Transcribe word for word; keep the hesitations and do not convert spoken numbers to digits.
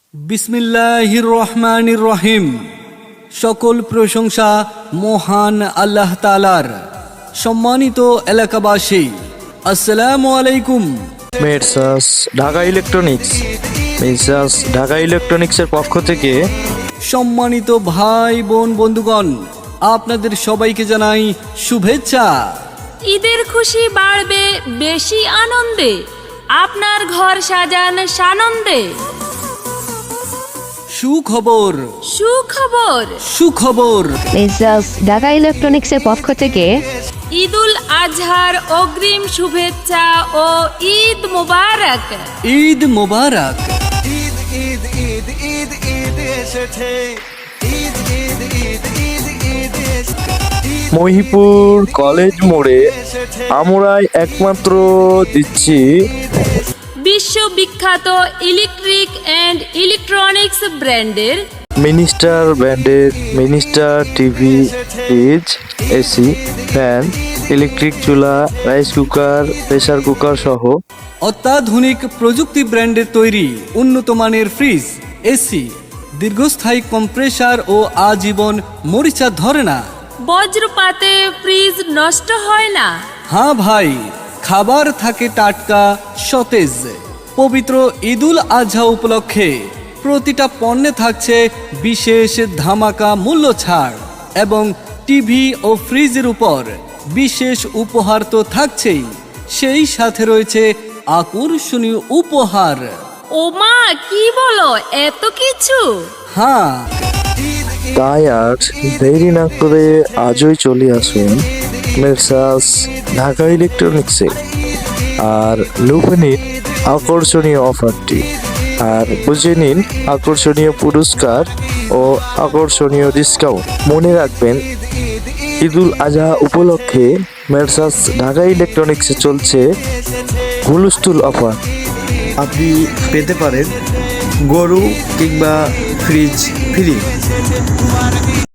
বিসমিল্লাহির রহমানির রহিম। সকল প্রশংসা মহান আল্লাহ তাআলার। সম্মানিত এলাকাবাসী, আসসালামু আলাইকুম। Messrs Dhaka electronics messrs Dhaka ইলেকট্রনিক্সের পক্ষ থেকে সম্মানিত ভাই বোন বন্ধুগণ, আপনাদের সবাইকে জানাই শুভেচ্ছা। ঈদের খুশি বাড়বে বেশি আনন্দে, আপনার ঘর সাজান সানন্দে। সুখবর সুখবর সুখবর মেসার্স ঢাকা ইলেকট্রনিক্সের পক্ষ থেকে ঈদুল আজহার অগ্রিম শুভেচ্ছা ও ঈদ মোবারক। ঈদ মোবারক। ঈদ ঈদ ঈদ ঈদ ঈদ এসেছে, ঈদ ঈদ ঈদ ঈদ ঈদ এসেছে। মহিপুর কলেজ মোড়ে আমরাই একমাত্র দিচ্ছি বিশ্ববিখ্যাত ইলেকট্রিক অ্যান্ড ইলেকট্রনিক্স ব্র্যান্ডের মিনিস্টার ব্র্যান্ডের minister TV, fridge, AC, fan, electric চুলা, রাইস কুকার, প্রেসার কুকার সহ অত্যাধুনিক প্রযুক্তি ব্র্যান্ডের তৈরি উন্নত মানের ফ্রিজ, এসি, দীর্ঘস্থায়ী কম্প্রেসার ও আজীবন মরিচা ধরে না। বজ্রপাতে ফ্রিজ নষ্ট হয় না। হ্যাঁ ভাই, খাবার থাকে টাটকা সতেজ। পবিত্র ঈদুল আজহা উপলক্ষে প্রতিটা পণ্যে থাকছে বিশেষ ধামাকা মূল্য ছাড় এবং টিভি ও ফ্রিজের উপর বিশেষ উপহার তো থাকছেই, সেই সাথে রয়েছে আকর্ষণীয় উপহার। ওমা, কি বলো, এত কিছু! হ্যাঁ, তাই আর দেরি না করে আজই চলে আসুন মেসার্স ঢাকা ইলেকট্রনিক্সে আর লুফে নিন আকর্ষণীয় অফারটি আর বুঝে নিন আকর্ষণীয় পুরস্কার ও আকর্ষণীয় ডিসকাউন্ট। মনে রাখবেন, ঈদুল আজহা উপলক্ষে মেসার্স ঢাকা ইলেকট্রনিক্সে চলছে হুলস্থুল অফার। আপনি পেতে পারেন গরু কিংবা ফ্রিজ ফ্রি।